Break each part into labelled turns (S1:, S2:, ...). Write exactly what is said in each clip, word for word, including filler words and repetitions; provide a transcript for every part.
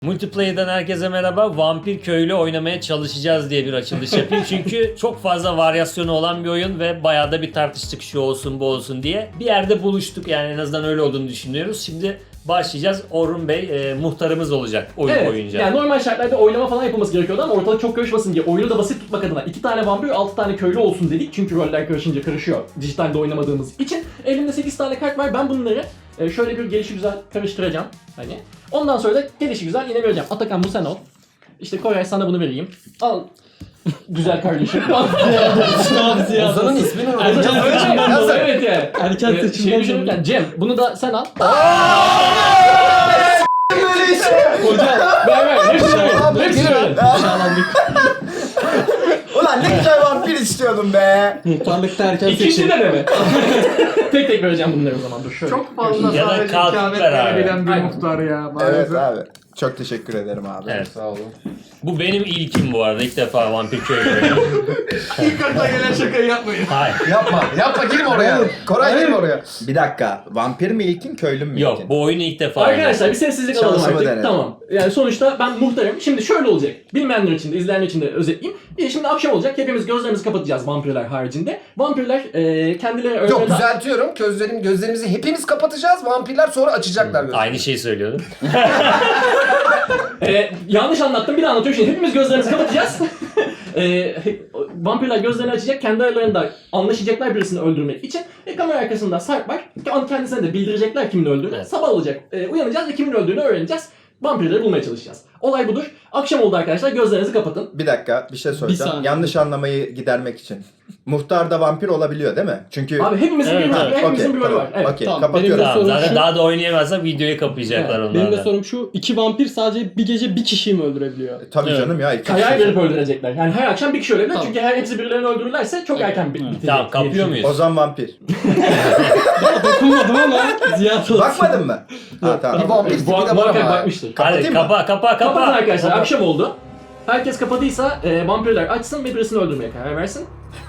S1: Multiplayer'dan herkese merhaba. Vampir köylü oynamaya çalışacağız diye bir açılış yapayım. Çünkü çok fazla varyasyonu olan bir oyun ve bayağı da bir tartıştık şu olsun bu olsun diye. Bir yerde buluştuk, yani en azından öyle olduğunu düşünüyoruz. Şimdi başlayacağız. Orhun Bey e, muhtarımız olacak oyun
S2: Evet,
S1: boyunca.
S2: yani normal şartlarda oylama falan yapılması gerekiyordu ama ortalık çok karışmasın diye oyunu da basit tutmak adına iki tane vampir, altı tane köylü olsun dedik. Çünkü roller karışınca karışıyor dijitalde oynamadığımız için. Elimde sekiz tane kart var. Ben bunları e, şöyle bir gelişigüzel karıştıracağım. Hani. Ondan sonra da gelişigüzel yine vereceğim. Atakan bu sen ol. İşte Koray sana bunu vereyim. Al. Güzel kardeşim.
S3: Ozan'ın ismini
S2: Erken
S3: unuttum.
S2: seçimden dolayı. Evet yani.
S3: Erken
S2: Ee,
S3: seçimden
S2: şey düşünürken Cem bunu da sen al.
S4: Böyle işte.
S2: Hocam ver ver. Hepsini ver. Hepsini ver.
S4: Ulan ne güzel vampir istiyordum be.
S3: Muhtarlıkta erken
S2: İkinci
S3: seçim.
S2: de mi? tek tek vereceğim bunları o zaman. Dur şöyle.
S5: Çok fazla
S1: Ya da
S5: sadece
S1: kalkıp
S5: ikamet
S1: ver abi.
S5: verebilen bir
S2: Aynen.
S5: muhtar ya.
S4: Evet
S5: Maalesef.
S4: abi. Çok teşekkür ederim abi.
S1: Evet.
S3: Sağ olun.
S1: Bu benim ilkim bu arada. İlk defa vampir köylü oynuyorum.
S5: İlk akla gelen şakayı yapmayın.
S1: Hayır.
S3: Yapma, yapma girme oraya. Koray girme oraya.
S4: Bir dakika. Vampir mi ilkin, köylü mü ilkin?
S1: Yok, bu oyunu ilk defa
S2: Arkadaşlar bir sessizlik alalım
S4: Şansımı
S2: artık.
S4: denedim.
S2: Tamam. Yani sonuçta ben muhtarım. Şimdi şöyle olacak. Bilmeyenler için de, izleyenler için de özetleyeyim. E, Şimdi akşam olacak. Hepimiz gözlerimizi kapatacağız vampirler haricinde. Vampirler e, kendileri
S3: Yok
S2: ölmeden...
S3: düzeltiyorum. Gözlerim, gözlerimizi hepimiz kapatacağız. Vampirler sonra açacaklar gözlerini.
S1: Aynı şeyi söylüyordum.
S2: E, yanlış anlattım. Bir daha anlatıyorum. Şimdi hepimiz gözlerimizi kapatacağız. e, vampirler gözlerini açacak. Kendi aralarında anlaşacaklar birisini öldürmek için. E, kamera arkasında Sarp var. Kendisine de bildirecekler kimin öldüğünü.
S1: Evet.
S2: Sabah olacak. E, uyanacağız ve kimin öldüğünü öğreneceğiz. Vampirleri bulmaya çalışacağız. Olay budur. Akşam oldu arkadaşlar. Gözlerinizi kapatın.
S4: Bir dakika bir şey söyleyeceğim.
S3: saniye.
S4: Yanlış anlamayı gidermek için. Muhtar da vampir olabiliyor değil mi? Çünkü...
S2: Abi hepimizin
S1: Evet,
S2: bir,
S1: evet.
S2: hepimizin
S4: Okey,
S2: bir rolü
S4: tamam.
S2: var. Evet.
S4: Okey,
S6: Tamam,
S4: kapatıyorum.
S6: benim
S1: Tamam,
S6: sorun
S1: zaten
S6: şu-
S1: daha da oynayamazsak videoyu kapayacaklar
S2: Evet,
S1: onlar
S6: Benim de
S1: da.
S6: sorum şu, iki vampir sadece bir gece bir kişiyi mi öldürebiliyor?
S4: Tabii
S1: Evet.
S4: canım ya. iki
S2: Karar
S4: kişi.
S2: verip öldürecekler. Yani her akşam bir kişi ölebilir.
S6: Tamam.
S2: Çünkü her hepsi birilerini öldürürlerse çok erken bit- bitecek.
S1: Tamam, kapıyor
S2: diye
S1: muyuz?
S4: Ozan vampir.
S6: Dokunmadım ama ziyaret olsun.
S4: Bakmadın mı? Ha tamam.
S3: Bir vampir
S2: düşünüyorum.
S3: tipi de
S2: Bu
S3: var
S2: muhakkak
S3: ama.
S2: bakmıştır.
S1: Hadi
S4: Kapatayım mı?
S1: kapa kapa
S2: Kapatın
S1: kapa.
S2: arkadaşlar. Akşam oldu. Herkes kapadıysa e, vampirler açsın ve birisini öldürmeye karar versin.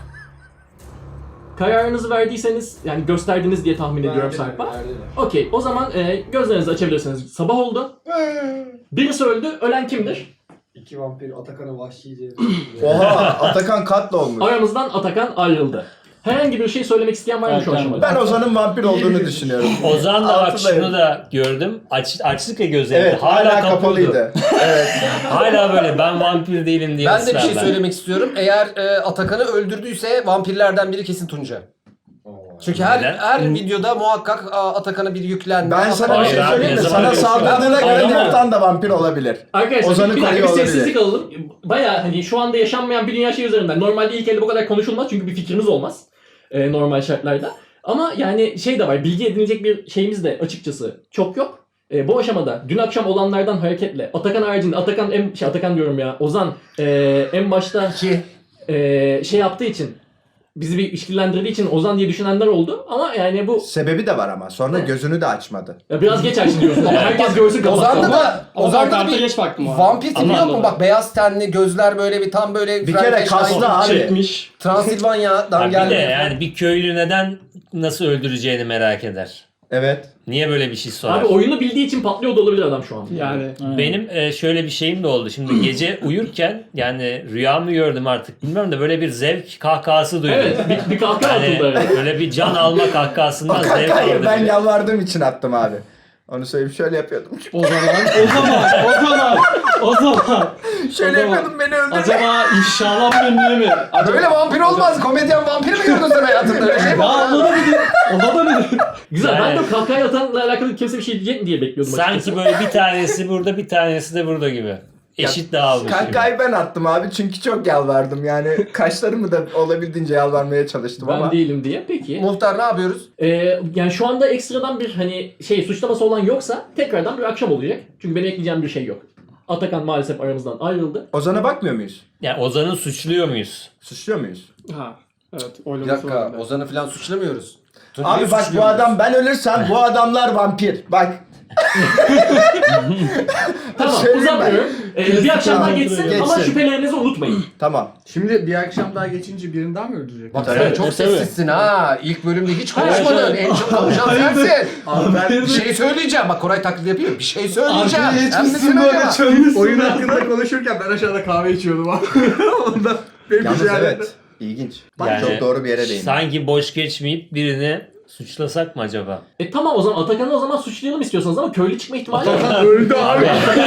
S2: Kararınızı verdiyseniz, yani gösterdiniz diye tahmin ediyorum Sarp'a. Okey, o zaman e, gözlerinizi açabilirsiniz. Sabah oldu. Birisi öldü. Ölen kimdir?
S5: İki vampir Atakan'ı vahşice.
S4: Oha, Atakan katla olmuş.
S2: Aramızdan Atakan ayrıldı. Herhangi bir şey söylemek isteyen var mı şu
S6: Evet,
S2: aşamada?
S4: Ben Ozan'ın vampir olduğunu düşünüyorum.
S1: Ozan da bak
S4: Altıdayım.
S1: şunu da gördüm. Aç, açtık ya gözlerini.
S4: Evet,
S1: hala,
S4: hala
S1: kapalıydı.
S4: kapalıydı. Evet.
S1: Hala böyle ben vampir değilim diye
S3: Ben de bir şey
S1: ısrarla.
S3: söylemek istiyorum. Eğer e, Atakan'ı öldürdüyse vampirlerden biri kesin Tunca. Çünkü her
S1: Neden?
S3: her videoda muhakkak a, Atakan'a bir yüklenme.
S4: Ben sana bir
S1: Hayır
S4: şey
S1: abi,
S4: söyleyeyim mi?
S1: ne zaman
S4: Sana
S1: öyle bir şey
S4: saldırdığına
S2: var?
S4: göre
S2: Hayır ama-
S4: Neftan da vampir olabilir.
S2: Arkadaşlar
S4: Ozan'ı
S2: bir dakika bir
S4: koruyor olabilir.
S2: sessizlik alalım. Baya hani şu anda yaşanmayan bir dünya şey üzerinden. Normalde ilk elde bu kadar konuşulmaz çünkü bir fikrimiz olmaz. Ee, normal şartlarda. Ama yani şey de var, bilgi edinilecek bir şeyimiz de açıkçası çok yok. Ee, bu aşamada dün akşam olanlardan hareketle Atakan haricinde, Atakan en, şey Atakan diyorum ya, Ozan e, en başta e, şey yaptığı için, bizi bir işkillendirdiği için Ozan diye düşünenler oldu. Ama yani bu
S4: Sebebi de var ama. Sonra gözünü de açmadı.
S2: ya biraz geç açtın diyorsun ama herkes görsün kapattı.
S3: Ozan'da da
S6: Ama
S3: Ozan'da da
S6: karta
S3: bir
S6: geç baktım abi.
S3: vampir tipi
S6: Ama
S3: yok mu?
S6: anladım.
S3: Bak beyaz tenli, gözler böyle bir tam böyle
S4: Bir kere
S3: Frankenstein
S4: kaslı
S3: gibi.
S4: abi.
S6: Çekmiş.
S3: Transilvanya'dan
S1: Ya bir de
S3: geldi.
S1: yani bir köylü neden nasıl öldüreceğini merak eder.
S4: Evet.
S1: Niye böyle bir şey sorar?
S2: Abi oyunu bildiği için patlıyor da olabilir adam şu an.
S6: Yani.
S1: Benim e, şöyle bir şeyim de oldu. Şimdi gece uyurken yani rüya mı gördüm artık bilmiyorum da böyle bir zevk kahkahası duydum.
S2: Evet, bir, bir kahkaha
S1: Yani
S2: atıldı. Evet.
S1: böyle bir can alma
S4: O
S1: kahkahasından zevk
S4: kakayı
S1: aldım.
S4: ben yalvardığım için attım abi. Onu söyleyip şöyle yapıyordum.
S6: O zaman, o zaman, o zaman, o zaman.
S4: Şöyle
S6: O zaman-
S4: yapıyordum, beni öldürdü.
S6: Acaba inşallah ünlü mi? Acaba...
S3: Böyle vampir olmaz. Komedyen vampir mi gördün sen hayatında? Öyle şey mi?
S6: Ya ona da bir ona da bir
S2: Güzel.
S1: Yani-
S2: Ben de kahkaha atanla alakalı kimse bir şey diyecek mi diye bekliyordum açıkçası.
S1: Sanki böyle bir tanesi burada bir tanesi de burada gibi. Eşit dağılmış gibi.
S4: Kakayı ben attım abi çünkü çok yalvardım. Yani kaşlarımı da olabildiğince yalvarmaya çalıştım
S2: Ben
S4: ama.
S2: değilim diye. Peki.
S3: Muhtar ne yapıyoruz?
S2: Ee, yani şu anda ekstradan bir hani şey suçlaması olan yoksa tekrardan bir akşam olacak. Çünkü benim ekleyeceğim bir şey yok. Atakan maalesef aramızdan ayrıldı.
S4: Ozan'a bakmıyor muyuz?
S1: Yani Ozan'ı suçluyor muyuz?
S4: Suçluyor muyuz?
S6: Ha. Evet,
S3: Bir
S6: oylaması
S3: dakika.
S6: var.
S3: Ozan'ı falan suçlamıyoruz. Tuncay'ı
S4: Abi bak bu
S3: suçluyoruz.
S4: adam, ben ölürsem bu adamlar vampir. Bak
S2: Tamam
S4: Söyleyeyim ben.
S2: uzatmıyorum. Ee, bir akşam daha
S4: Tamam,
S2: geçsin,
S4: geçsin.
S2: ama şüphelerinizi unutmayın.
S4: Tamam.
S5: Şimdi bir akşam daha geçince birini daha mı öldürecek?
S3: Bak
S4: Tabii.
S3: sen çok
S6: E, tabii.
S3: sessizsin ha. İlk bölümde hiç
S2: Hayır,
S3: konuşmadın.
S2: hayır.
S3: En çok konuşan sensin.
S5: Abi ben
S3: Bir şey söyleyeceğim. Bak Koray taklidi yapıyor. Bir şey söyleyeceğim.
S5: Arkaya
S3: Sen misin
S5: geçmişsin böyle
S3: acaba?
S5: çölmüşsün. Oyun hakkında konuşurken ben aşağıda kahve içiyordum abi. Ondan benim
S4: Yalnız
S5: bir şey
S4: evet. İlginç. Bak
S1: Yani
S4: çok doğru bir yere değindin.
S1: Sanki boş geçmeyip birini suçlasak mı acaba?
S2: E tamam o zaman Atakan'ı o zaman suçlayalım istiyorsanız ama köylü çıkma ihtimali var.
S5: Atakan öldü abi.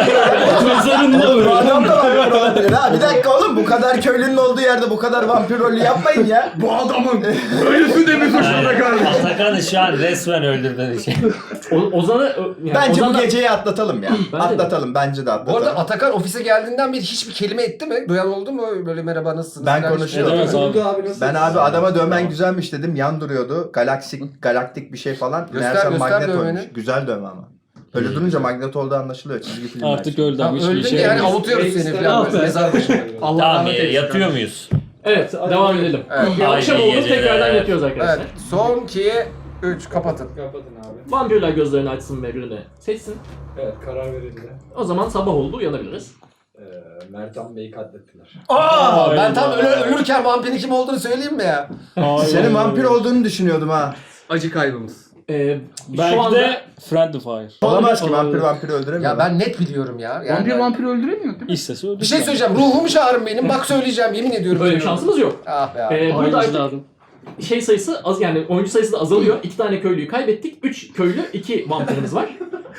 S6: Mezarında
S4: Bu
S6: böyle.
S4: adam da vampir olabilir ha. Bir dakika oğlum, bu kadar köylünün olduğu yerde bu kadar vampir rolü yapmayın ya.
S5: Bu adamın ölüsü de mi suçunda kaldı?
S1: Atakan'ı şu an resmen öldürdüğün için.
S2: O- Ozan'ı yani
S4: Bence
S2: Ozan
S4: bu
S2: da-
S4: geceyi atlatalım ya.
S2: Bence de.
S4: Atlatalım, bence de
S3: Bu
S4: atlatalım.
S3: arada Atakan ofise geldiğinden beri hiçbir kelime etti mi? Duyan oldu mu? Böyle merhaba nasılsınız?
S4: Ben
S3: falan hiç-
S4: konuşuyorum.
S6: Edemez abi.
S5: Öldü abi nasıl?
S4: Ben abi adama dövmen güzelmiş dedim, yan duruyordu. Galaksik, galaktik bir şey falan.
S3: Göster,
S4: Meğerse
S3: göster
S4: magnet
S3: dövmeni.
S4: olmuş. Güzel dövme ama. Öyle durunca magnet olduğu anlaşılıyor, çizgi filmler.
S6: Artık öldü
S3: Tamam,
S6: abi. Hiçbir
S3: öldün
S6: şey
S3: yani
S6: yapamaz.
S3: avutuyoruz seni
S5: Ekstra-
S3: falan.
S6: Ah
S3: böyle
S6: be.
S3: Mezar başına.
S5: Allah
S1: Tamam
S5: rahmet eylesin.
S1: yatıyor muyuz?
S2: Evet devam edelim.
S3: Evet.
S2: Bir akşam
S1: Haydi
S2: oldu
S1: geceler.
S2: tekrardan yatıyoruz arkadaşlar.
S3: Evet. Son iki, üç kapatın.
S5: Kapatın abi.
S2: Vampirler gözlerini açsın ve birini seçsin.
S5: Evet karar verildi.
S2: O zaman sabah oldu uyanabiliriz.
S5: Ee, Mertan Bey'i katlettiler.
S3: Aa, ben
S6: Hayda.
S3: tam ölü- ölürken vampirin kim olduğunu söyleyeyim mi ya?
S6: Hayır.
S4: Senin vampir olduğunu düşünüyordum ha.
S5: Acı kaybımız.
S2: Ee,
S6: Belki
S2: şu anda
S6: de Friendly Fire.
S4: Olamaz ki,
S2: Olabilir.
S4: vampir vampiri öldüremiyor.
S3: Ya ben net biliyorum ya. Yani
S5: Vampir vampir öldüremiyor değil mi?
S6: İstese öldü.
S3: Bir şey söyleyeceğim. Ruhumu çağırın benim. Bak söyleyeceğim. Yemin ediyorum.
S2: öyle bir
S3: söylüyorum.
S2: şansımız yok.
S3: Ah be abi.
S2: Ee, burada artık
S6: lazım.
S2: şey sayısı az yani oyuncu sayısı da azalıyor. İki tane köylüyü kaybettik. Üç köylü, iki vampirimiz var.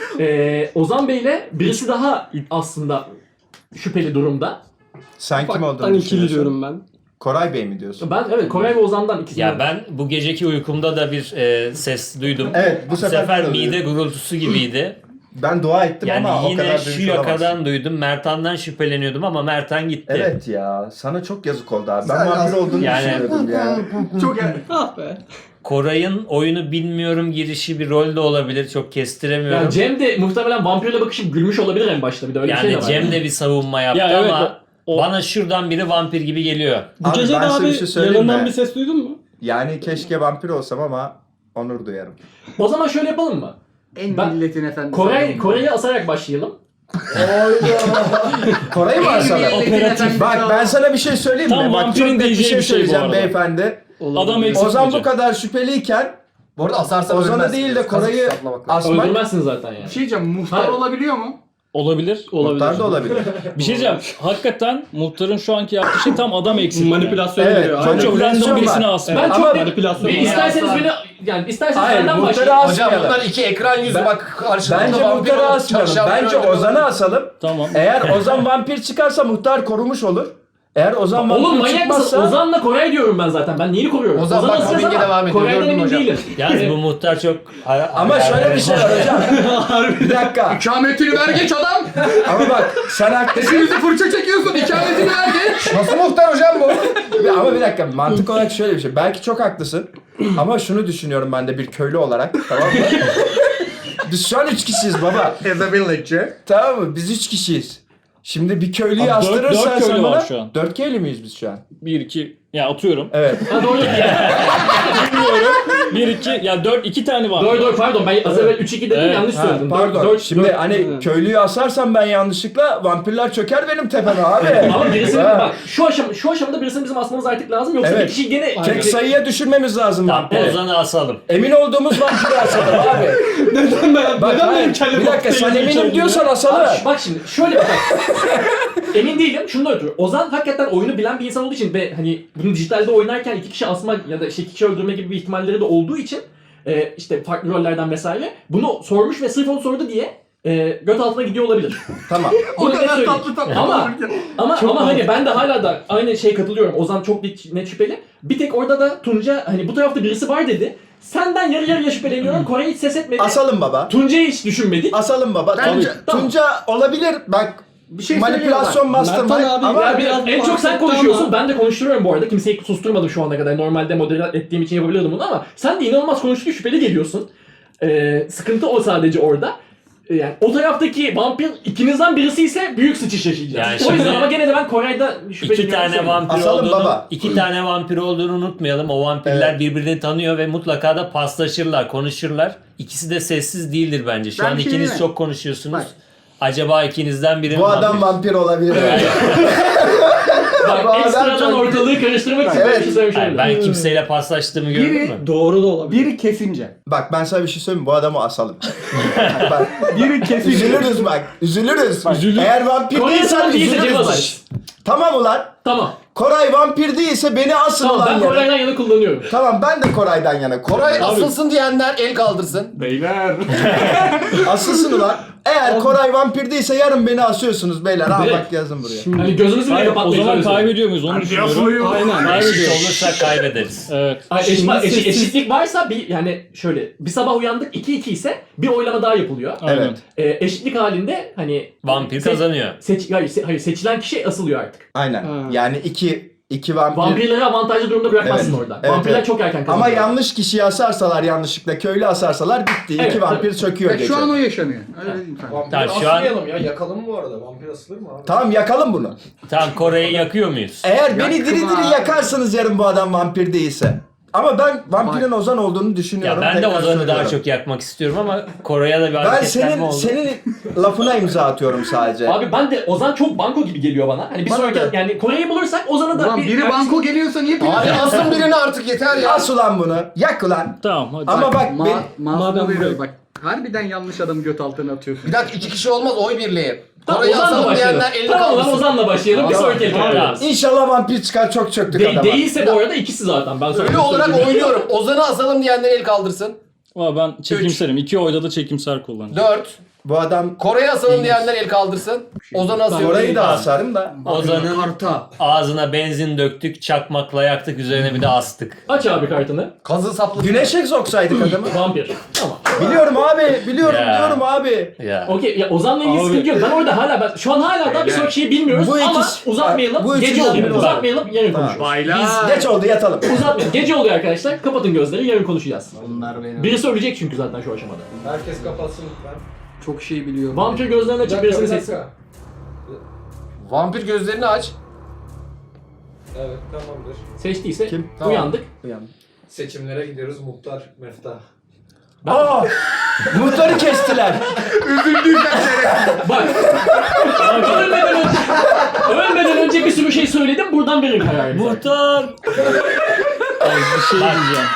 S2: Ee, Ozan Bey'le birisi daha aslında şüpheli durumda.
S4: Sen kim olduğunu
S6: Ben ikili
S4: düşünüyorsun?
S6: diyorum ben.
S4: Koray Bey mi diyorsun?
S2: Ben evet Koray ve Ozan'dan ikisi.
S1: Ya ben bu geceki uykumda da bir e, ses duydum.
S4: Evet, bu
S1: Bu
S4: sefer
S1: sefer
S4: de
S1: mide gurultusu gibiydi.
S4: Ben dua ettim
S1: Yani
S4: ama o kadar
S1: yine
S4: duymuş
S1: şu
S4: olamazsın.
S1: yakadan duydum. Mertan'dan şüpheleniyordum ama Mertan gitti.
S4: Evet ya, sana çok yazık oldu abi. Ben
S5: Sen
S4: vampir
S5: aslında-
S4: olduğunu
S1: Yani-
S4: düşünüyordum ya.
S5: Çok yani.
S6: Ah be.
S1: Koray'ın oyunu bilmiyorum girişi bir rol de olabilir. Çok kestiremiyorum.
S2: Yani Cem de muhtemelen vampirle bakışıp gülmüş olabilir en başta bir de öyle bir şey de
S1: Yani
S2: var.
S1: Cem de bir savunma yaptı
S6: Ya evet,
S1: ama
S6: o-
S1: bana şuradan biri vampir gibi geliyor.
S6: Bu
S4: Abi
S6: gece de
S4: ben size
S6: abi
S4: bir şey söyleyeyim
S6: yanından
S4: mi?
S6: bir ses duydun mu?
S4: Yani keşke vampir olsam ama onur duyarım.
S2: O zaman şöyle yapalım mı?
S5: En
S2: Ben-
S5: milletin efendisi.
S2: Koray Koray'ı asarak başlayalım.
S4: Koray'ı mı asalım?
S6: Operatif.
S4: Bak ben sana bir şey söyleyeyim mi?
S6: Tam
S4: Bak çok
S6: vampirin
S4: net bir
S6: diyeceği
S4: şey
S6: bir şey bu
S4: söyleyeceğim
S6: arada.
S4: beyefendi.
S6: Adam eksik
S4: Ozan bu
S6: olacak.
S4: kadar şüpheliyken
S3: Bu arada asarsan
S4: Ozan'ı
S3: ölmezsin.
S4: değil de
S3: Kazık
S4: Koray'ı
S3: saplamak lazım.
S4: asmak
S2: Öldürmezsin zaten yani.
S5: Bir şey diyeceğim, muhtar
S2: Hayır.
S5: olabiliyor mu?
S6: Olabilir, olabilir.
S4: muhtar da olabilir.
S6: Bir şey diyeceğim. Hakikaten muhtarın şu anki yaptığı şey tam adam eksik.
S7: Manipülasyon
S4: Evet,
S7: ediyor.
S6: Çok çok
S4: manipülasyon
S6: random birisine
S4: var.
S6: asma.
S2: Ben
S4: Ama
S2: çok
S7: manipülasyon
S2: bir
S7: var.
S2: isterseniz beni yani isterseniz
S4: Hayır,
S2: benden
S4: muhtarı
S2: başlayın.
S3: Hocam
S4: asmayalım.
S3: bunlar iki ekran yüzü
S4: Ben-
S3: bak karşımda
S4: Bence
S3: vampir
S4: muhtarı
S3: olup
S4: asmayalım.
S3: çarşafları
S4: Bence
S3: öldürüyor.
S4: Ozan'ı asalım.
S6: Tamam.
S4: Eğer Ozan vampir çıkarsa muhtar korumuş olur. Eğer Ozan vampir
S2: Oğlum manyak mısın?
S4: çıkmazsa...
S2: Ozan'la Koray diyorum ben zaten. Ben neyini koruyorum?
S3: Ozan bak,
S2: asacağız
S3: mobbinge
S2: ama
S3: devam ediyor.
S2: Koray'dan
S3: Gördün mü
S2: emin
S3: hocam?
S2: değilim.
S1: Yalnız bu muhtar çok...
S4: Ama şöyle bir şey var hocam. Bir dakika.
S5: İkametini ver geç adam.
S4: Ama bak sen haklısın.
S5: Hepimizi fırça çekiyorsun. İkametini ver geç.
S3: Nasıl muhtar hocam bu?
S4: Ama bir dakika, mantık olarak şöyle bir şey. Belki çok haklısın. Ama şunu düşünüyorum ben de bir köylü olarak. Tamam mı? Biz şu an üç kişiyiz baba.
S5: As a villager.
S4: Tamam mı? Biz üç kişiyiz. Şimdi bir köylüyü
S6: Abi dört-
S4: astırırsan
S6: dört köylü
S4: sen
S6: var
S4: bana...
S6: şu an.
S4: Dört köylü müyüz biz şu an?
S6: Bir, iki, ya atıyorum.
S4: Evet.
S2: Ha doğru.
S6: Bilmiyorum. Bir, iki, ya dört, iki tane var.
S2: doğru doğru pardon. Ben az evvel üç iki dedim
S6: Evet.
S2: yanlış
S4: Ha,
S2: söyledim.
S4: pardon.
S2: dört,
S4: Şimdi
S2: dört,
S4: hani
S6: Hı.
S4: köylüyü asarsam ben yanlışlıkla vampirler çöker benim tepeme abi.
S2: Ama birisini
S4: Ha.
S2: bak şu aşam şu aşamada birisini bizim asmamız artık lazım yoksa
S4: Evet.
S2: bir kişi gene
S4: Tek sayıya düşürmemiz lazım
S1: Tamam
S4: vampiri.
S1: Ozan'ı asalım.
S4: Emin olduğumuz vampiri asalım abi.
S7: Neden ben?
S4: Bak
S7: neden
S4: hayır,
S7: benim kellem
S4: bir dakika sen
S7: ortaya
S4: eminim
S7: geçiyor
S4: diyorsan
S2: Abi,
S4: asalım.
S2: şu- bak şimdi şöyle bak. Emin değilim. Şundan ötürü. Ozan hakikaten oyunu bilen bir insan olduğu için ve hani bunu dijitalde oynarken iki kişi asma ya da işte iki kişi öldürme gibi bir ihtimalleri de olduğu için e, işte farklı rollerden vesaire bunu sormuş ve sırf onu sordu diye e, göt altına gidiyor olabilir.
S4: Tamam.
S5: O
S2: Bunu net
S5: kadar
S2: söyleyeyim.
S5: tatlı tatlı.
S2: Ama
S5: konuşurken.
S2: ama
S6: Çok
S2: ama hani
S6: mantıklı.
S2: ben de hala da aynı şeye katılıyorum. Ozan çok net net şüpheli. Bir tek orada da Tunca hani bu tarafta birisi var dedi. Senden yarı yarıya şüpheleniyorum. Koray hiç ses etmedi.
S4: Asalım baba.
S2: Tunca'yı hiç düşünmedik.
S4: Asalım baba.
S5: Bence-
S4: Tunca,
S2: tamam.
S4: Tunca olabilir. Bak
S5: Bir şey
S4: manipülasyon mastermind
S7: Mertan abi
S4: ama
S2: Ya bir-
S7: biraz
S2: en çok sen
S7: bahsetti
S2: konuşuyorsun.
S7: ama-
S2: Ben de konuşturuyorum bu arada. Kimseyi susturmadım şu ana kadar. Normalde modere ettiğim için yapabilirdim bunu ama sen de inanılmaz konuştuğu şüpheli geliyorsun. Ee, sıkıntı o sadece orada. yani o taraftaki vampir ikinizden birisi ise büyük sıçış yaşayacağız.
S1: Yani
S2: o yüzden
S1: şimdi
S2: ama gene de ben Koray'da şüpheleniyorum.
S1: İki tane vampir
S4: Asalım
S1: olduğunu,
S4: baba.
S1: iki tane vampir olduğunu unutmayalım. O vampirler
S4: Evet.
S1: birbirini tanıyor ve mutlaka da paslaşırlar, konuşurlar. İkisi de sessiz değildir bence. Şu
S5: Ben
S1: an
S5: bir şey
S1: ikiniz
S5: diyeyim.
S1: çok konuşuyorsunuz.
S5: Bak.
S1: Acaba ikinizden biri mi
S4: Bu adam
S1: vampir?
S4: vampir olabilir. yani. Bu
S2: Bak
S4: adam
S2: ekstradan
S4: çok-
S2: ortalığı karıştırmak için
S4: Evet.
S2: böyle bir şey söylemiş
S1: Hayır,
S2: olabilirim.
S1: ben kimseyle paslaştığımı gördün
S5: Biri-
S1: mü?
S6: Doğru da olabilir.
S5: Biri kesince.
S4: Bak ben sana bir şey söyleyeyim mi? Bu adamı asalım. bak,
S5: Biri kesince.
S4: üzülürüz bak. Üzülürüz.
S6: Üzülür.
S4: Eğer vampir
S2: Koray
S4: değilsen
S2: sana değilse
S4: üzülürüz
S2: cevap
S4: bak.
S2: alırız.
S4: Tamam ulan.
S2: Tamam.
S4: Koray vampir değilse beni asın
S2: Tamam
S4: ulan
S2: ben
S4: yana.
S2: Koray'dan yana kullanıyorum.
S4: Tamam ben de Koray'dan yana.
S3: Koray asılsın diyenler el kaldırsın.
S5: Beyler.
S4: Asılsın ulan. Eğer Koray vampir değilse yarın beni asıyorsunuz beyler. Ha
S2: Direkt.
S4: bak yazın buraya.
S2: Hani gözünüzü bile
S6: Hayır, o
S2: kapatmayın.
S6: zaman
S2: öyle söyleyeyim.
S6: kaybediyor muyuz onu düşünüyorum.
S5: Aynen.
S1: Eşit
S6: Kaybediyoruz.
S1: olursak kaybederiz.
S6: Evet.
S2: Ay, eşit,
S6: Şimdi
S2: eşit-
S6: siz-
S2: eşitlik varsa bir yani şöyle bir sabah uyandık iki iki ise bir oylama daha yapılıyor.
S6: Aynen.
S4: Evet.
S2: Ee, eşitlik halinde hani
S1: Vampir
S2: se-
S1: kazanıyor.
S2: Seç, hayır, se- hayır seçilen kişi asılıyor artık.
S4: Aynen.
S6: Ha.
S4: Yani iki iki vampir.
S2: Vampirleri avantajlı durumda bırakmazsın
S4: Evet.
S2: orada.
S4: Evet,
S2: Vampirler
S4: evet.
S2: çok erken
S4: Ama
S2: kazanıyor.
S4: yanlış kişiyi asarsalar yanlışlıkla köylü asarsalar bitti.
S2: Evet,
S4: İki vampir çöküyor
S5: Bak
S4: gece.
S5: şu an o yaşanıyor. Öyle diyeyim sana.
S1: Tamam, şu an
S3: ya yakalım mı bu arada? Vampir asılır mı abi?
S4: Tamam yakalım bunu.
S1: tam Kore'yi yakıyor muyuz?
S4: Eğer beni
S5: Yakma.
S4: diri diri yakarsınız yarın bu adam vampir değilse. Ama ben vampirin Ozan olduğunu
S1: Ya
S4: düşünüyorum.
S1: ben de
S4: Tekrar
S1: Ozan'ı daha
S4: söylüyorum.
S1: çok yakmak istiyorum ama Kore'ye de bir
S4: Ben
S1: hareketlenme
S4: senin
S1: oldu.
S4: senin lafına imza atıyorum sadece.
S2: Abi ben de Ozan çok banko gibi geliyor bana. Hani bir
S4: Bana
S2: sonraki
S4: da.
S2: yani Kore'yi bulursak Ozan'ı da
S5: Ulan
S2: bir...
S5: biri banko geliyorsa niye
S3: Abi
S5: piyasa?
S3: asın birini artık yeter ya.
S4: As ulan bunu. Yak ulan.
S6: Tamam hadi.
S4: Ama bak
S5: Ma
S4: ben
S5: Masum'a
S6: Madem
S5: veriyor
S6: bu-
S5: bak. Harbiden yanlış adamı göt altına atıyorsun.
S3: Bir dakika iki kişi olmaz oy birliği.
S2: Tamam
S3: Koray'ı
S2: Ozan'la
S3: asalım
S2: başlayalım.
S3: diyenler elini
S2: Tamam lan
S3: kaldırsın.
S2: Ozan'la başlayalım. Bir
S4: Tamam.
S2: sonraki el
S1: Tamam.
S2: yapıyoruz.
S4: İnşallah vampir çıkar çok çöktük
S2: De-
S4: adama.
S2: değilse bu arada ikisi zaten. Ben sana
S3: Ölü
S2: bunu
S3: olarak
S2: söyleyeyim.
S3: oynuyorum. Ozan'ı asalım diyenler el kaldırsın.
S6: Ama ben çekimserim. İki oyda da çekimser kullanacağım.
S3: Dört.
S4: Bu adam
S3: Koray'ı asalım diyenler el kaldırsın. Ozan'ı asıyorum.
S4: orayı da asarım da.
S1: Ozan'ın
S5: Karta.
S1: ağzına benzin döktük, çakmakla yaktık, üzerine bir de astık.
S2: Aç abi kartını.
S3: Kazı sapladı.
S4: Güneş egzoksaydık adamı.
S2: Vampir. Tamam.
S4: Biliyorum abi, biliyorum,
S1: Ya.
S4: biliyorum abi.
S1: Ya.
S2: Okey ya Ozan'la ilgili
S6: Abi-
S2: sıkıntı yok. Ben orada hala ben şu an hala daha bir sonraki şeyi bilmiyoruz
S4: Bu
S2: ama
S4: ikisi-
S2: uzatmayalım.
S4: bu
S2: Gece
S4: üçünden
S2: oluyor.
S4: biri
S2: Uzatmayalım. Yarın
S4: Tamam.
S2: konuşuruz.
S5: Baylar.
S4: Geç oldu yatalım.
S2: Uzatmayalım. Gece oluyor arkadaşlar. Kapatın gözleri. Yarın konuşacağız.
S5: Bunlar benim.
S2: Birisi ölecek çünkü zaten şu aşamada.
S3: Herkes kapatsın lütfen.
S5: Çok şey biliyorum.
S2: Vampir gözlerini açıp birisini seçsin.
S3: Vampir gözlerini aç. Evet tamamdır.
S2: Seçtiyse
S4: Kim?
S3: Tamam.
S2: uyandık.
S3: Seçimlere gidiyoruz. Muhtar, Meftah.
S4: Aa! Muhtarı kestiler.
S2: Bak. ölmeden önce, ölmeden önce bir sürü şey söyledim. Buradan verin kararınızı.
S1: Muhtar!
S6: Ay, bir şey diyeceğim.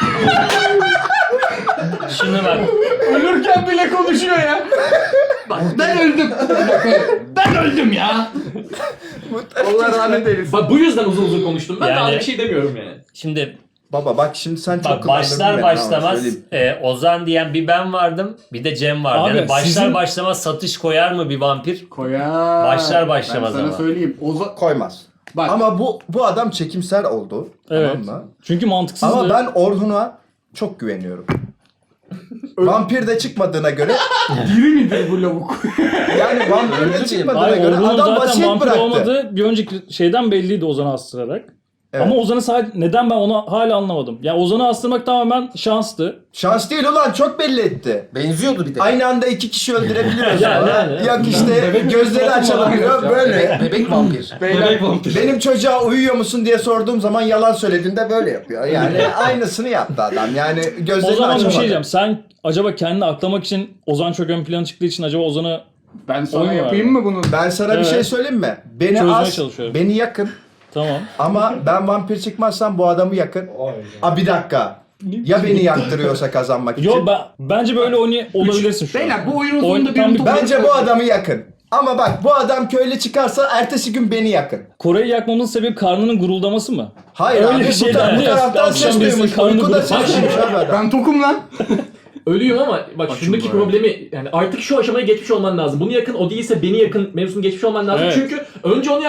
S1: Şuna bak.
S5: Ölürken bile konuşuyor ya. Bak ben öldüm. Ben öldüm ya. Allah rahmet eylesin.
S2: Bak bu yüzden uzun uzun konuştum. Ben
S1: Yani-
S2: daha bir şey demiyorum yani.
S1: Şimdi
S4: Baba bak şimdi sen çok
S1: bak
S4: kullandırdın
S1: başlar
S4: beni, ama
S1: başlamaz
S4: söyleyeyim.
S1: e, Ozan diyen bir ben vardım, bir de Cem vardı.
S6: Abi,
S1: Yani başlar
S6: sizin-
S1: başlamaz satış koyar mı bir vampir?
S5: Koyar.
S1: Başlar başlamaz
S5: Ben sana
S1: ama.
S5: söyleyeyim. Oza...
S4: Koymaz.
S5: Bak.
S4: Ama bu bu adam çekimser oldu.
S6: Evet.
S4: Tamam mı?
S6: Çünkü mantıksız.
S4: Ama ben Orhun'a çok güveniyorum. Vampir de çıkmadığına göre
S5: Diri midir bu lavuk?
S4: yani vampir de çıkmadığına
S6: Hayır,
S4: göre
S6: Orhun'un
S4: adam
S6: zaten
S4: vasiyet
S6: vampir
S4: bıraktı.
S6: olmadığı bir önceki şeyden belliydi Ozan'ı astırarak.
S4: Evet.
S6: Ama Ozan'ı sadece neden ben onu hala anlamadım. Ya Ozan'ı astırmak tamamen şanstı.
S4: Şans değil ulan çok belli etti.
S3: Benziyordu bir de.
S4: Aynı anda iki kişi öldürebiliyoruz.
S1: Yani,
S4: falan.
S1: yani.
S4: Yok işte gözleri açabiliyor böyle.
S3: Bebek vampir.
S6: Bebek vampir.
S4: Benim çocuğa uyuyor musun diye sorduğum zaman yalan söylediğinde böyle yapıyor. Yani aynısını yaptı adam. Yani
S6: O
S4: gözlerini
S6: zaman bir
S4: açamadı.
S6: şey diyeceğim. Sen acaba kendini aklamak için Ozan çok ön plana çıktığı için acaba Ozan'ı
S5: Ben sana
S6: Oyun var.
S5: yapayım mı bunu?
S4: Ben sana bir
S6: Evet.
S4: şey söyleyeyim mi? Beni
S6: Çözmeye
S4: as,
S6: çalışıyorum.
S4: beni yakın.
S6: tamam.
S4: Ama ben vampir çıkmazsam bu adamı yakın. Aa bir dakika. Ya beni yaktırıyorsa kazanmak için.
S6: Yo ben bence böyle oynay olabilirsin şu an.
S5: Beyler bu oyunun
S6: Oyun-
S5: sonunda
S6: tam
S5: bir
S6: bir-
S4: Bence bu adamı yakın. Ama bak bu adam köylü çıkarsa ertesi gün beni yakın.
S6: Kore'yi yakmamızın sebebi karnının guruldaması mı?
S4: Hayır
S6: Öyle
S4: abi
S6: bir
S4: bu,
S6: şey
S4: ta-
S6: dendi
S4: bu
S6: ya,
S4: taraftan
S6: akşam
S4: ses
S6: birisinin
S4: duymuş.
S6: karnı
S4: Uykuda
S6: bırak-
S4: ses duymuş abi adam.
S5: Ben tokum lan.
S2: Ölüyüm ama bak şundaki problemi yani artık şu aşamaya geçmiş olman lazım. Bunu yakın o değilse beni yakın mevzusunu geçmiş olman lazım.
S6: Evet.
S2: Çünkü önce onu yaktılar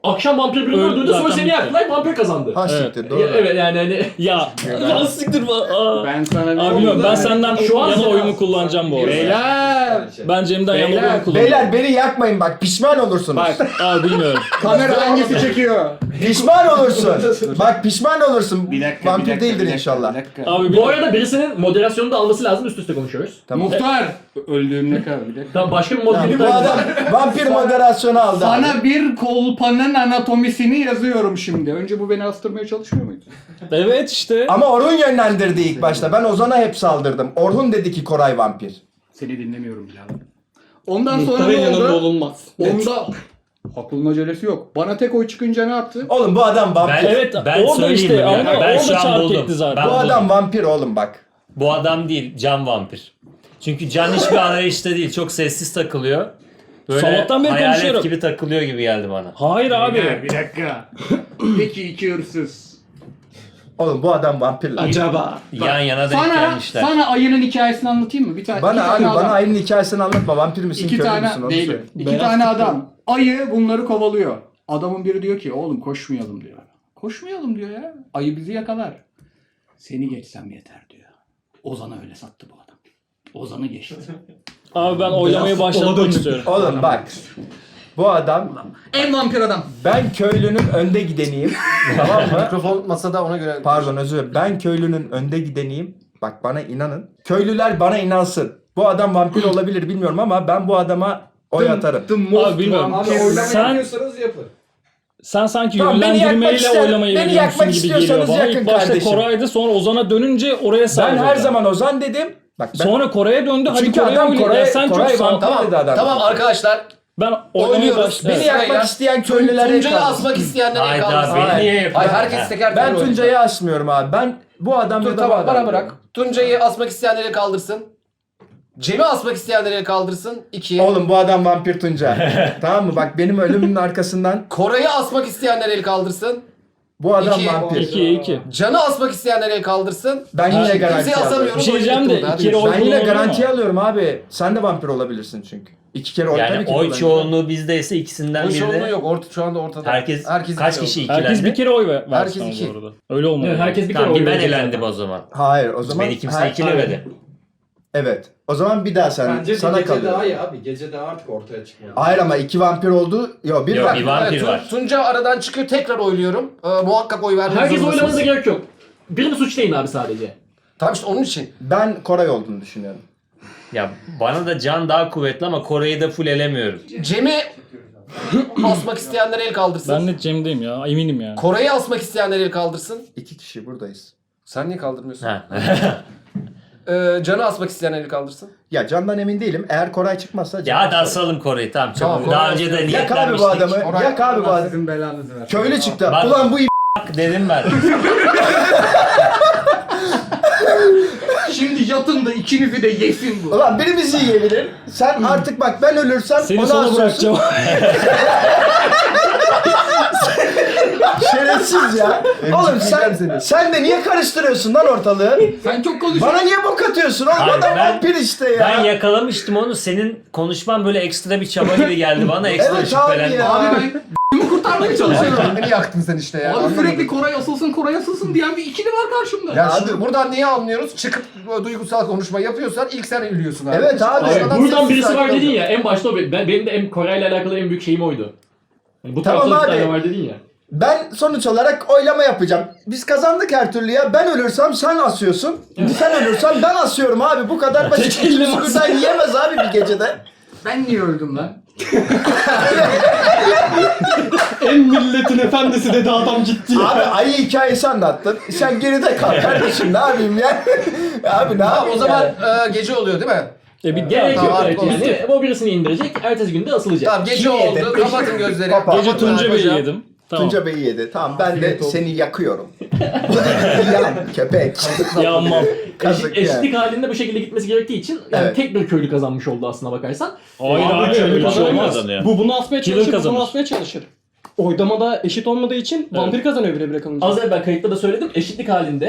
S2: Akşam vampir birini
S6: Öldü
S2: öldürdü sonra
S6: zaten
S2: seni
S6: bitti.
S2: yaktılar vampir kazandı.
S4: Ha
S6: Evet.
S4: siktir
S2: Ya,
S4: doğru.
S2: evet yani hani
S6: Ya lan siktir ba- aa.
S5: Ben sana ne
S6: Abi bilmiyorum ben senden
S2: Şu an
S6: yana
S2: sana-
S6: oyumu kullanacağım bu arada.
S5: Beyler.
S6: Ben Cem'den yana
S5: Beyler,
S6: oyumu kullanacağım.
S4: Beyler beni yakmayın bak pişman olursunuz.
S5: Bak
S6: Abi bilmiyorum.
S5: kamera hangisi çekiyor?
S4: Pişman olursun. Bak pişman olursun.
S5: Bir dakika,
S4: Vampir
S5: bir dakika,
S4: değildir
S5: bir dakika,
S4: inşallah.
S5: bir dakika.
S6: Abi
S2: bu
S6: bilmiyorum.
S2: arada birisinin moderasyonu da alması lazım üst üste konuşuyoruz.
S5: Muhtar. Öldüğümde kal bir dakika.
S2: Tamam başka bir
S4: Tamam,
S2: moderasyonu
S4: bu adam vampir moderasyonu aldı. abi.
S5: Sana bir kolpanın anatomisini yazıyorum şimdi. Önce bu beni astırmaya çalışmıyor muydu?
S6: Evet işte.
S4: Ama Orhun yönlendirdi ilk başta. Ben Ozan'a hep saldırdım. Orhun dedi ki Koray vampir.
S5: Seni dinlemiyorum birader. Ondan sonra ne oldu?
S6: olunmaz.
S5: Onda aklın acelesi yok. Bana tek oy çıkınca ne yaptı?
S4: Oğlum bu adam vampir.
S1: Ben,
S6: Evet,
S1: ben
S6: orada
S1: söyleyeyim
S6: işte,
S1: mi?
S6: ama
S1: ben
S6: orada
S1: şu an
S6: çark
S1: buldum.
S6: etti zaten.
S1: Ben
S4: Bu
S1: buldum.
S4: adam vampir oğlum bak.
S1: Bu adam değil, Can vampir. Çünkü Can hiçbir arayışta değil, çok sessiz takılıyor. Böyle
S6: Sabahtan beri
S1: hayalet
S6: konuşuyorum.
S1: gibi takılıyor gibi geldi bana.
S6: Hayır
S5: Beyler,
S6: abi.
S5: bir dakika. Peki iki hırsız.
S4: Oğlum bu adam vampir lan.
S5: Acaba.
S1: Yan yana denk
S5: Sana,
S1: gelmişler.
S5: sana ayının hikayesini anlatayım mı? Bir tane, iki
S4: Bana abi
S5: tane adam.
S4: bana ayının hikayesini anlatma. Vampir misin
S5: İki
S4: köylü
S5: tane
S4: müsün onu
S5: değilim.
S4: söyle.
S5: İki
S6: Beyaz
S5: tane
S6: futbol.
S5: adam. Ayı bunları kovalıyor. Adamın biri diyor ki oğlum koşmayalım diyor. Koşmayalım diyor ya. Ayı bizi yakalar. Seni geçsem yeter diyor. Ozan'a öyle sattı bu adam. Ozan'ı geçti.
S6: Abi ben oylamayı başlatmak istiyorum.
S4: Oğlum bak. Bu adam
S5: En vampir adam.
S4: ben köylünün önde gideniyim. Tamam mı?
S3: Mikrofon masada ona göre.
S4: Pardon özür dilerim. Ben köylünün önde gideniyim. Bak bana inanın. Köylüler bana inansın. Bu adam vampir olabilir bilmiyorum ama ben bu adama oy atarım.
S6: Abi bilmiyorum.
S7: Abi oylama
S6: Sen,
S7: yapıyorsanız yapın.
S6: sen sanki
S4: Tamam, beni yakmak
S6: yönlendirmeyle
S4: ister-
S6: oylamayı
S4: beni
S6: veriyorsun
S4: yakmak
S6: gibi geliyor
S4: istiyorsanız
S6: bana.
S4: yakın
S6: İlk başta
S4: kardeşim.
S6: Koray'dı sonra Ozan'a dönünce oraya
S4: Ben
S6: saldırdı.
S4: her zaman Ozan dedim. Bak ben
S6: Sonra Koray'a döndü. Hadi
S4: Çünkü
S6: Koray'a
S4: adam
S6: oyla.
S4: Koray-
S6: Ya sen
S4: Koray
S6: çok sağ...
S4: vampir.
S3: Tamam,
S4: dedi adam.
S3: tamam arkadaşlar.
S6: Ben oylamayı
S3: Oynuyoruz.
S6: başladım.
S4: beni
S3: Evet.
S4: yakmak
S3: Sırayla.
S4: isteyen köylülere
S3: Tuncay'ı
S4: kalsın.
S3: asmak isteyenlere
S1: Hayda,
S3: kalsın.
S1: beni
S3: Hayır.
S1: niye yapıyorsun?
S3: Hayır, herkes teker
S4: Ben
S3: teker oynuyor.
S4: Tuncay'ı asmıyorum abi. Ben bu adam
S3: Dur
S4: ya da bu
S3: tamam
S4: adam.
S3: bana bırak. Tuncay'ı asmak isteyenlere kaldırsın. Cem'i asmak isteyenlere kaldırsın. İki.
S4: Oğlum bu adam vampir Tunca. Tamam mı? Bak benim ölümümün arkasından
S3: Koray'ı asmak isteyenlere el kaldırsın.
S4: bu adam
S3: İki.
S4: vampir.
S6: İki iki.
S3: Can'ı asmak isteyenlere el kaldırsın.
S4: Ben yine
S6: Ha,
S4: garanti
S3: Kimseyi
S4: alıyorum.
S3: asamıyoruz.
S6: Bir şey
S3: oyun
S6: diyeceğim
S3: bitti
S6: de,
S3: orada, hadi
S6: iki kere
S3: görüşürüz.
S6: oy
S4: Ben yine
S6: kullanılıyor
S4: garantiye
S6: mu?
S4: alıyorum abi. Sen de vampir olabilirsin çünkü. İki kere oy tabii
S1: Yani
S4: ki
S1: oy
S4: kullanacağım.
S1: çoğunluğu bizdeyse ikisinden
S3: Oy çoğunluğu
S1: birine.
S3: yok. Orta, şu anda ortada.
S1: Herkes,
S3: Herkes
S1: kaç
S3: iki
S1: kişi
S3: oldu.
S1: ikilendi?
S6: Herkes bir kere oy ver,
S3: Herkes
S6: versin ama
S3: iki.
S6: bu arada. Öyle olmalı.
S2: Evet, herkes bir kere
S1: Tamam,
S2: oy
S1: bir ben
S2: verecek
S1: elendim
S2: zaten.
S1: o zaman.
S4: Hayır o zaman.
S1: Beni kimse
S4: Ha-
S1: ikilemedi.
S4: Evet. O zaman bir daha sen
S7: Bence
S4: sana
S7: bir gece
S4: kalıyor.
S7: daha iyi abi. Gece daha artık ortaya çıkmıyor.
S4: Hayır ama iki vampir oldu. Yok bir
S1: Yok,
S4: var.
S1: bir vampir
S3: Evet, Tun-
S1: var.
S3: Tunca aradan çıkıyor. Tekrar oyluyorum. Ee, muhakkak oy vermek
S2: Herkes
S3: zorundasınız.
S2: oylamanıza gerek yok. Birini suçlayın abi sadece.
S3: Tamam işte onun için.
S4: Ben Koray olduğunu düşünüyorum.
S1: Ya bana da Can daha kuvvetli ama Koray'ı da full elemiyorum.
S3: Cem'i asmak isteyenlere el kaldırsın.
S6: Ben de Cem'deyim ya eminim yani.
S3: Koray'ı asmak isteyenlere el kaldırsın.
S4: İki kişi buradayız.
S3: Sen niye kaldırmıyorsun?
S1: Ha.
S3: Ee, Can'ı asmak isteyenleri kaldırsın.
S4: Ya Can'dan emin değilim. Eğer Koray çıkmazsa Can
S1: ya hadi
S4: asarım.
S1: asalım Koray'ı tamam.
S3: Tamam,
S1: Çok.
S3: Koray
S1: Daha önce de
S3: asalım.
S4: Yak abi bu
S1: niyetlenmiştik.
S4: adamı.
S3: Koray-
S4: Yak abi bu
S5: Allah
S4: adamı.
S5: sizin belanızı versin.
S4: Köylü çıktı.
S1: Bak-
S4: Ulan bu i-
S1: Dedim ben.
S5: Şimdi yatın da ikinizi de yesin bu.
S4: Ulan birimizi yiyebilir. Sen artık bak ben ölürsem
S6: Seni
S4: onu
S6: sona
S4: asıyorsun.
S6: bırakacağım.
S4: Şerefsiz ya. Oğlum sen, sen de niye karıştırıyorsun lan ortalığı?
S5: Sen çok konuşuyorsun.
S4: Bana niye bok atıyorsun oğlum?
S1: Hayır,
S4: Adam
S1: ben-
S4: vampir işte ya.
S1: Ben yakalamıştım onu. Senin konuşman böyle ekstra bir çaba gibi geldi bana. Ekstra
S4: Evet abi
S1: şüphelendim.
S4: ya.
S5: Abi ben b***imi kurtarmaya çalışıyorum.
S3: Kendini yaktın sen işte ya.
S5: Abi
S3: anlamadım.
S5: sürekli Koray asılsın, Koray asılsın diyen bir ikili var karşımda.
S3: Ya şimdi buradan niye anlıyoruz? Çıkıp böyle duygusal konuşma yapıyorsan ilk sen ölüyorsun abi.
S4: Evet abi.
S3: Başkadan
S2: Buradan
S3: sessiz
S2: birisi
S3: sakin
S2: var dedin
S3: oluyor.
S2: ya. En başta o. Ben, benim de en Koray'la alakalı en büyük şeyim oydu. Yani bu
S4: Tamam
S2: tarafta bir
S4: abi.
S2: tane var dedin ya.
S4: Ben sonuç olarak oylama yapacağım. Biz kazandık her türlü ya. Ben ölürsem sen asıyorsun. Sen ölürsen ben asıyorum abi. Bu kadar basit.
S6: Tek elle
S4: İkimiz birden yiyemez abi bir gecede.
S5: Ben niye öldüm lan?
S6: En milletin efendisi dedi adam gitti ya.
S4: Abi ayı hikayesi anlattın. Sen geride kal kardeşim ne yapayım ya? Abi ne
S3: Tamam
S4: yapayım
S3: o zaman
S4: yani?
S3: e, gece oluyor değil mi?
S6: E bitti
S2: Gerek
S6: abi.
S2: yok
S3: Tamam,
S2: evet
S3: artık
S2: yani. O birisini indirecek. Ertesi günde asılacak.
S3: Tamam gece
S4: Kim yedi?
S3: oldu. Kapatın gözleri.
S4: Kapat.
S6: Gece
S3: Kapatın
S6: Tunca Bey'i
S3: hocam.
S6: yedim. Tamam.
S4: Tunca Bey'i yedi. Tamam ben de seni yakıyorum. Yan köpek.
S6: Yanmam.
S4: Kazık
S2: Eşit,
S4: yani.
S2: eşitlik halinde bu şekilde gitmesi gerektiği için yani
S4: Evet.
S2: tek bir köylü kazanmış oldu aslına bakarsan.
S6: Hayır
S2: Abi,
S6: abi
S2: köylü
S6: öyle bir şey
S2: kazanamaz.
S6: olmaz.
S8: Bu bunu asmaya
S6: Killer
S8: çalışır,
S6: kazanır.
S8: bunu asmaya çalışır. Oylamada eşit olmadığı için vampir kazanıyor bire bire kalınca.
S2: Az evvel kayıtta da söyledim. Eşitlik halinde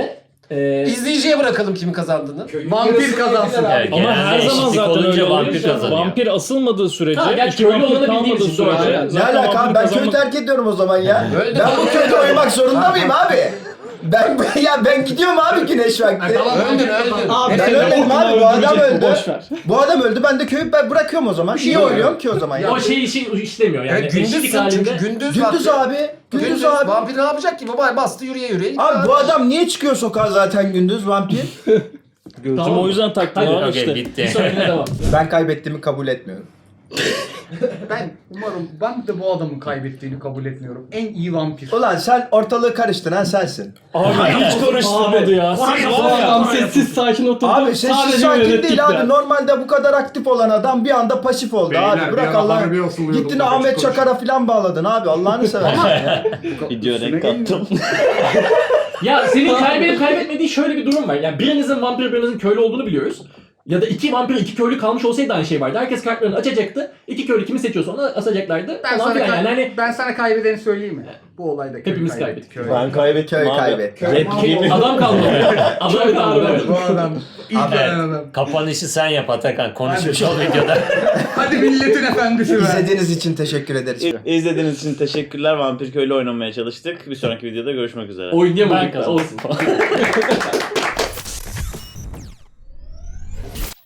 S2: Ee,
S3: İzleyiciye bırakalım kimin kazandığını.
S5: Vampir kazansın.
S1: Evet,
S6: Ama
S1: genelde
S6: her zaman
S1: eşitlik
S6: zaten
S1: olunca
S6: öyle
S1: vampir
S6: vampir
S1: kazanıyor.
S6: Vampir asılmadığı sürece,
S2: Ha, gerçi
S6: iki
S2: köylü
S6: vampir
S2: olanı
S6: kalmadığı
S2: bildiğimiz için doğru.
S6: sürece
S2: Aynen.
S4: Ne
S6: zaten
S4: alaka abi?
S6: vampir
S4: Ben
S6: kazanmak-
S4: köyü terk ediyorum o zaman ya.
S3: Öyle de-
S4: Ben bu köyde oynamak zorunda mıyım abi? Ben ya ben gidiyorum abi güneş vakti.
S3: Öldün öldün.
S5: Abi
S4: Ben
S5: seni
S4: ölmedim
S5: okuma
S4: abi, bu adam
S5: öldürecek bu,
S4: öldü.
S5: boş ver.
S4: Bu adam öldü, ben de köyü ben bırakıyorum o zaman. İyi oynuyorum ki o zaman ya.
S2: o şey işi işlemiyor yani.
S3: Evet,
S2: eşitlik
S3: gündüzsün
S2: halinde.
S3: çünkü gündüz
S4: Gündüz
S3: vakti.
S4: abi. Gündüz abi.
S3: Vampir ne yapacak ki? Baba bastı yürüye yürüye.
S4: Abi bu adam niye çıkıyor sokağa zaten gündüz vampir?
S6: Gözüm
S2: Tamam.
S6: o yüzden taktım
S2: Hadi,
S6: abi
S1: Okey
S6: işte.
S2: Bir
S1: bitti.
S2: sonrakine devam.
S4: Ben kaybettiğimi kabul etmiyorum.
S5: Ben umarım ben de bu adamın kaybettiğini kabul etmiyorum. En iyi vampir.
S4: Ulan sen ortalığı karıştıran sensin.
S6: Abi hiç karıştırmadı ya. Siz
S5: Bu
S6: var ya.
S5: adam sessiz sakin oturdu.
S4: Abi sessiz
S5: sadece
S4: sakin
S5: yönettik
S4: değil
S5: de.
S4: abi. Normalde bu kadar aktif olan adam bir anda pasif oldu
S5: Beyler,
S4: abi.
S5: bir
S4: Bırak
S5: ara
S4: Allah'ını.
S5: harbi asılıyordum,
S4: Gittin
S5: bak, hiç
S4: Ahmet
S5: konuşma.
S4: Çakar'a falan bağladın abi. Allah'ını seversen ya.
S6: Video
S5: Üstüne
S6: renk
S5: gelmiyor.
S6: kattım.
S2: Ya senin kaybedip kaybetmediğin şöyle bir durum var. Yani birinizin vampir birinizin köylü olduğunu biliyoruz. Ya da iki vampir iki köylü kalmış olsaydı aynı şey vardı. Herkes kartlarını açacaktı. İki köylü kimi seçiyorsa onu asacaklardı.
S5: Ben
S2: Falan
S5: sana,
S2: filan.
S5: kay-
S2: yani hani
S5: ben sana kaybedeni söyleyeyim mi? Bu olayda köy
S2: Hepimiz
S5: kaybettik.
S2: kaybettik.
S6: Ben kaybettim
S4: Köy
S6: abi.
S4: kaybetti.
S6: Repliğimi-
S2: adam kalmadı. Adam kalmadı. Evet.
S5: Bu adam. İlk
S1: Abi,
S5: gelen adam.
S1: kapanışı sen yap Atakan. Konuşmuş ol videoda.
S5: Hadi milletin efendisi be.
S4: İzlediğiniz için teşekkür ederiz.
S8: İzlediğiniz için teşekkürler. Vampir Köylü oynamaya çalıştık. Bir sonraki videoda görüşmek üzere.
S2: Oynayamadık
S6: Ben
S2: da olsun.